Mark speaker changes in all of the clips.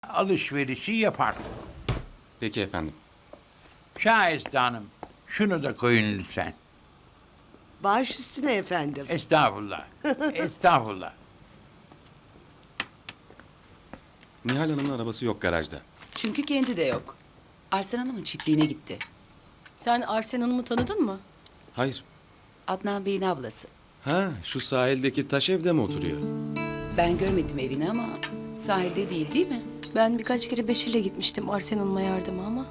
Speaker 1: alışverişi yaparsın.
Speaker 2: Peki efendim.
Speaker 1: Şahiste Hanım, şunu da koyun lütfen.
Speaker 3: Baş üstüne efendim.
Speaker 1: Estağfurullah. Estağfurullah.
Speaker 2: Nihal Hanım'ın arabası yok garajda.
Speaker 4: Çünkü kendi de yok. Arslan Hanım'ın çiftliğine gitti.
Speaker 5: Sen Arsen Hanım'ı tanıdın mı?
Speaker 2: Hayır.
Speaker 4: Adnan Bey'in ablası.
Speaker 2: Ha, şu sahildeki taş evde mi oturuyor?
Speaker 4: Ben görmedim evini ama sahilde değil mi?
Speaker 5: Ben birkaç kere Beşir'le gitmiştim Arsen Hanım'a yardıma ama.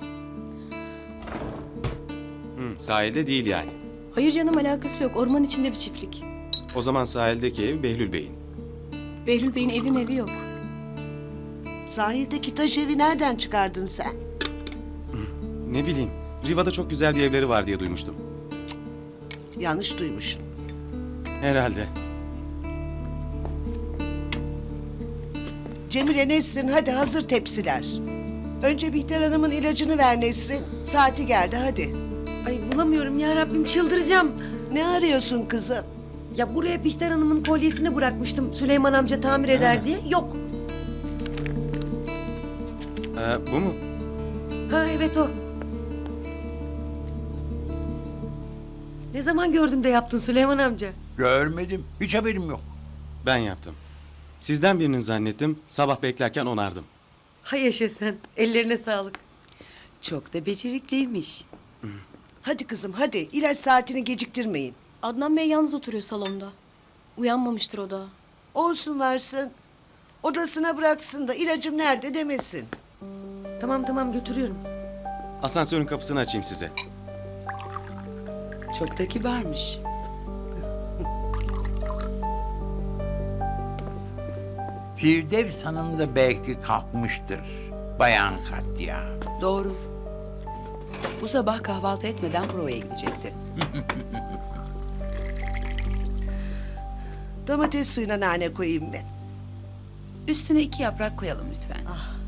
Speaker 2: Sahilde değil yani.
Speaker 5: Hayır canım, alakası yok. Orman içinde bir çiftlik.
Speaker 2: O zaman sahildeki ev Behlül Bey'in.
Speaker 5: Behlül Bey'in evi yok.
Speaker 3: Sahildeki taş evi nereden çıkardın sen?
Speaker 2: Ne bileyim, Riva'da çok güzel bir evleri var diye duymuştum.
Speaker 3: Yanlış duymuşsun.
Speaker 2: Herhalde.
Speaker 3: Cemile, Nesrin, hadi hazır tepsiler. Önce Bihter Hanım'ın ilacını ver Nesrin. Saati geldi, hadi.
Speaker 6: Ay bulamıyorum ya Rabbim, çıldıracağım.
Speaker 3: Ne arıyorsun kızım?
Speaker 6: Ya buraya Bihter Hanım'ın kolyesini bırakmıştım. Süleyman amca tamir eder diye. Yok.
Speaker 2: Bu mu?
Speaker 6: Ha evet o. Ne zaman gördün de yaptın Süleyman amca?
Speaker 1: Görmedim. Hiç haberim yok.
Speaker 2: Ben yaptım. Sizden birinin zannettim, sabah beklerken onardım.
Speaker 6: Hay yaşa sen. Ellerine sağlık.
Speaker 4: Çok da becerikliymiş.
Speaker 3: Hadi kızım, hadi. İlaç saatini geciktirmeyin.
Speaker 5: Adnan Bey yalnız oturuyor salonda. Uyanmamıştır o da.
Speaker 3: Olsun varsın. Odasına bıraksın da ilacım nerede demesin.
Speaker 6: Tamam götürüyorum.
Speaker 2: Asansörün kapısını açayım size.
Speaker 4: Çok da kibarmış.
Speaker 1: Firdevs Hanım da belki kalkmıştır. Bayan Katya.
Speaker 4: Doğru. Bu sabah kahvaltı etmeden provaya gidecekti.
Speaker 3: Domates suyuna nane koyayım ben.
Speaker 4: Üstüne 2 yaprak koyalım lütfen.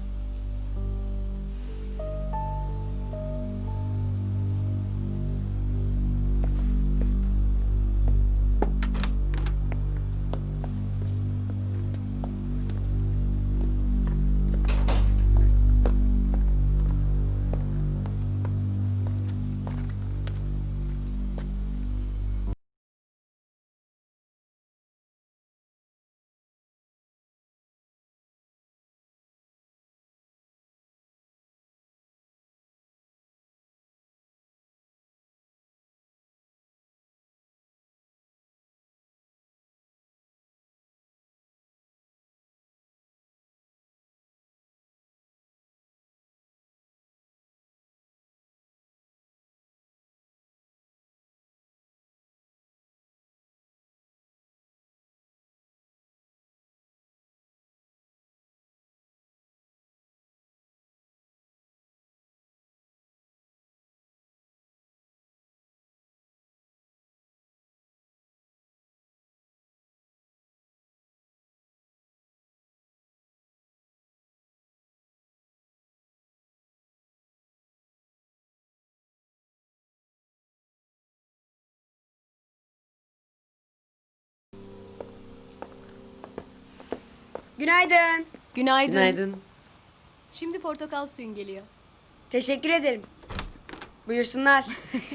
Speaker 7: Günaydın.
Speaker 5: Günaydın.
Speaker 6: Günaydın.
Speaker 5: Şimdi portakal suyun geliyor.
Speaker 7: Teşekkür ederim. Buyursunlar.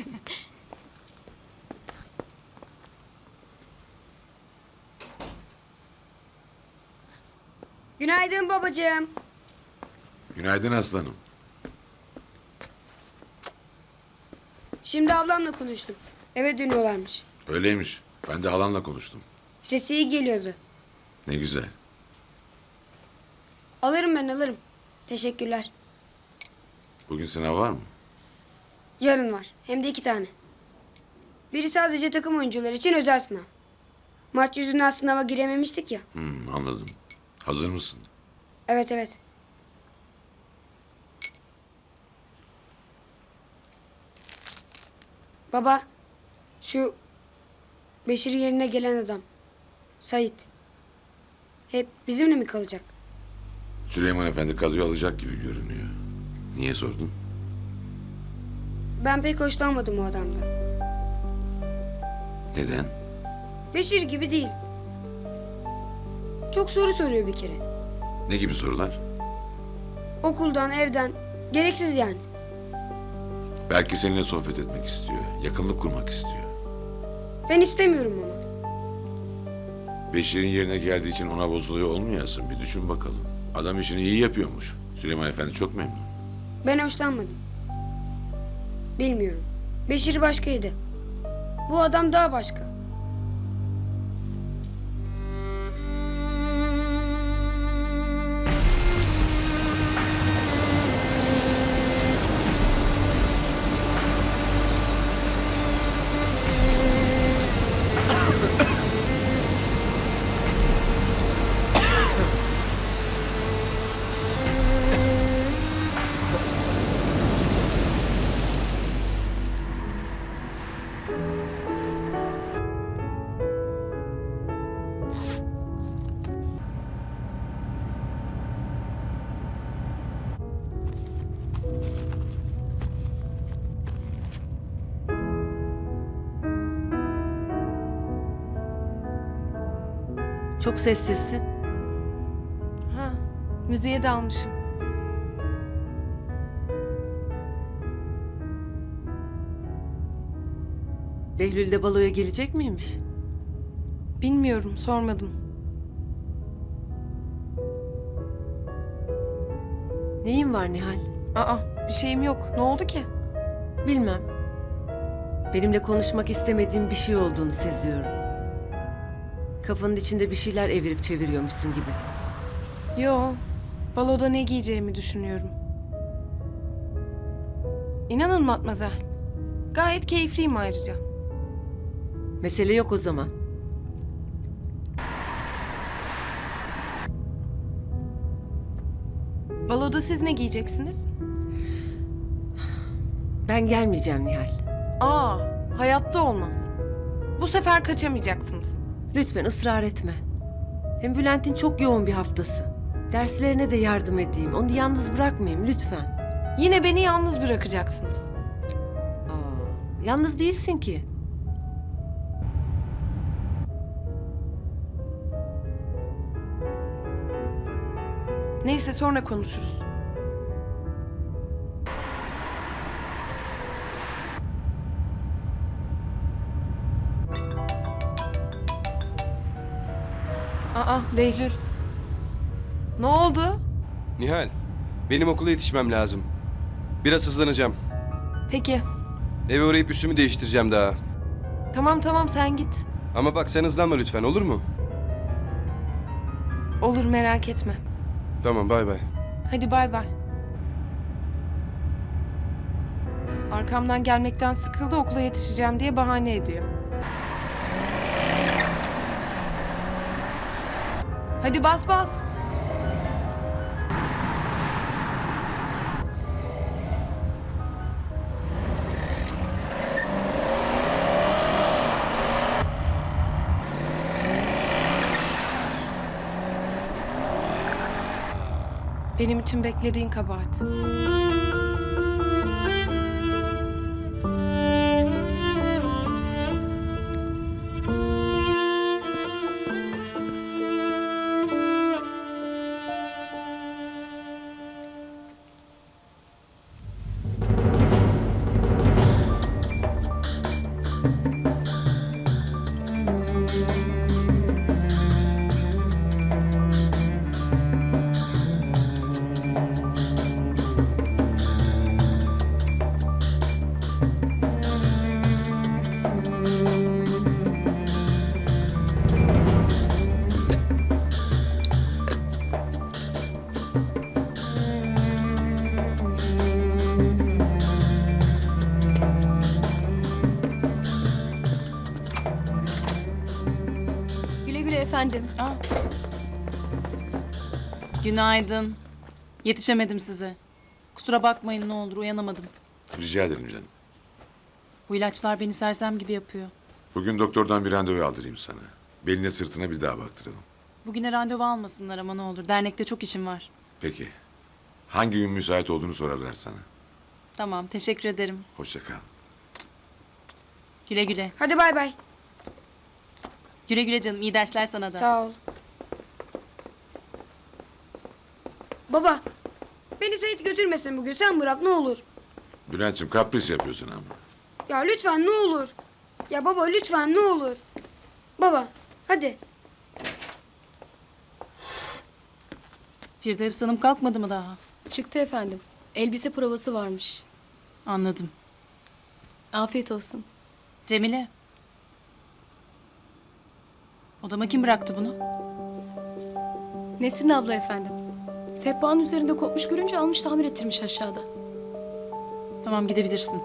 Speaker 7: Günaydın babacığım.
Speaker 8: Günaydın aslanım.
Speaker 7: Şimdi ablamla konuştum. Eve dönüyorlarmış.
Speaker 8: Öyleymiş. Ben de halanla konuştum.
Speaker 7: Sesi iyi geliyordu.
Speaker 8: Ne güzel.
Speaker 7: Alırım ben alırım. Teşekkürler.
Speaker 8: Bugün sınav var mı?
Speaker 7: Yarın var. Hem de 2 tane. Biri sadece takım oyuncuları için özel sınav. Maç yüzünden sınava girememiştik ya.
Speaker 8: Anladım. Hazır mısın?
Speaker 7: Evet. Baba, şu Beşir yerine gelen adam, Sait. Hep bizimle mi kalacak?
Speaker 8: Süleyman Efendi kadroyu alacak gibi görünüyor. Niye sordun?
Speaker 7: Ben pek hoşlanmadım o adamdan.
Speaker 8: Neden?
Speaker 7: Beşir gibi değil. Çok soru soruyor bir kere.
Speaker 8: Ne gibi sorular?
Speaker 7: Okuldan, evden. Gereksiz yani.
Speaker 8: Belki seninle sohbet etmek istiyor. Yakınlık kurmak istiyor.
Speaker 7: Ben istemiyorum ama.
Speaker 8: Beşir'in yerine geldiği için ona bozuluyor olmayasın. Bir düşün bakalım. Adam işini iyi yapıyormuş. Süleyman Efendi çok memnun.
Speaker 7: Ben hoşlanmadım. Bilmiyorum. Beşir başkaydı. Bu adam daha başka.
Speaker 6: Çok sessizsin.
Speaker 5: Ha, müziğe dalmışım.
Speaker 6: Behlül de baloya gelecek miymiş?
Speaker 5: Bilmiyorum, sormadım.
Speaker 6: Neyin var Nihal?
Speaker 5: Aa, bir şeyim yok. Ne oldu ki?
Speaker 6: Bilmem. Benimle konuşmak istemediğin bir şey olduğunu seziyorum. Kafanın içinde bir şeyler evirip çeviriyormuşsun gibi.
Speaker 5: Yo, baloda ne giyeceğimi düşünüyorum. İnanın Matmazel. Gayet keyifliyim ayrıca.
Speaker 6: Mesele yok o zaman.
Speaker 5: Baloda siz ne giyeceksiniz?
Speaker 6: Ben gelmeyeceğim Nihal.
Speaker 5: Aa, hayatta olmaz. Bu sefer kaçamayacaksınız.
Speaker 6: Lütfen ısrar etme. Hem Bülent'in çok yoğun bir haftası. Derslerine de yardım edeyim. Onu yalnız bırakmayayım lütfen.
Speaker 5: Yine beni yalnız bırakacaksınız.
Speaker 6: Yalnız değilsin ki.
Speaker 5: Neyse sonra konuşuruz. Aa, Behlül. Ne oldu?
Speaker 9: Nihal, benim okula yetişmem lazım. Biraz hızlanacağım.
Speaker 5: Peki.
Speaker 9: Eve uğrayıp üstümü değiştireceğim daha.
Speaker 5: Tamam tamam sen git.
Speaker 9: Ama bak sen hızlanma lütfen, olur mu?
Speaker 5: Olur merak etme.
Speaker 9: Tamam, bay bay.
Speaker 5: Hadi bay bay. Arkamdan gelmekten sıkıldı, okula yetişeceğim diye bahane ediyor. Hadi bas bas. Benim için beklediğin kabahat. Güle güle efendim.
Speaker 10: Günaydın. Yetişemedim size. Kusura bakmayın ne olur uyanamadım.
Speaker 8: Rica ederim canım.
Speaker 10: Bu ilaçlar beni sersem gibi yapıyor.
Speaker 8: Bugün doktordan bir randevu aldırayım sana. Beline sırtına bir daha baktıralım.
Speaker 10: Bugüne randevu almasınlar ama ne olur. Dernekte çok işim var.
Speaker 8: Peki. Hangi gün müsait olduğunu sorarlar sana.
Speaker 10: Tamam teşekkür ederim.
Speaker 8: Hoşça kal.
Speaker 10: Güle güle.
Speaker 7: Hadi bay bay.
Speaker 10: Güle güle canım. İyi dersler sana da.
Speaker 7: Sağ ol. Baba, Beni Sait götürmesin bugün. Sen bırak ne olur.
Speaker 8: Bülent'ciğim kapris yapıyorsun ama.
Speaker 7: Ya lütfen ne olur. Ya baba lütfen ne olur. Baba hadi.
Speaker 10: Firdevs Hanım kalkmadı mı daha?
Speaker 11: Çıktı efendim. Elbise provası varmış.
Speaker 10: Anladım.
Speaker 11: Afiyet olsun.
Speaker 10: Cemile. Odama kim bıraktı bunu?
Speaker 11: Nesrin abla efendim. Sehpanın üzerinde kopmuş görünce almış tamir ettirmiş aşağıda.
Speaker 10: Tamam gidebilirsin.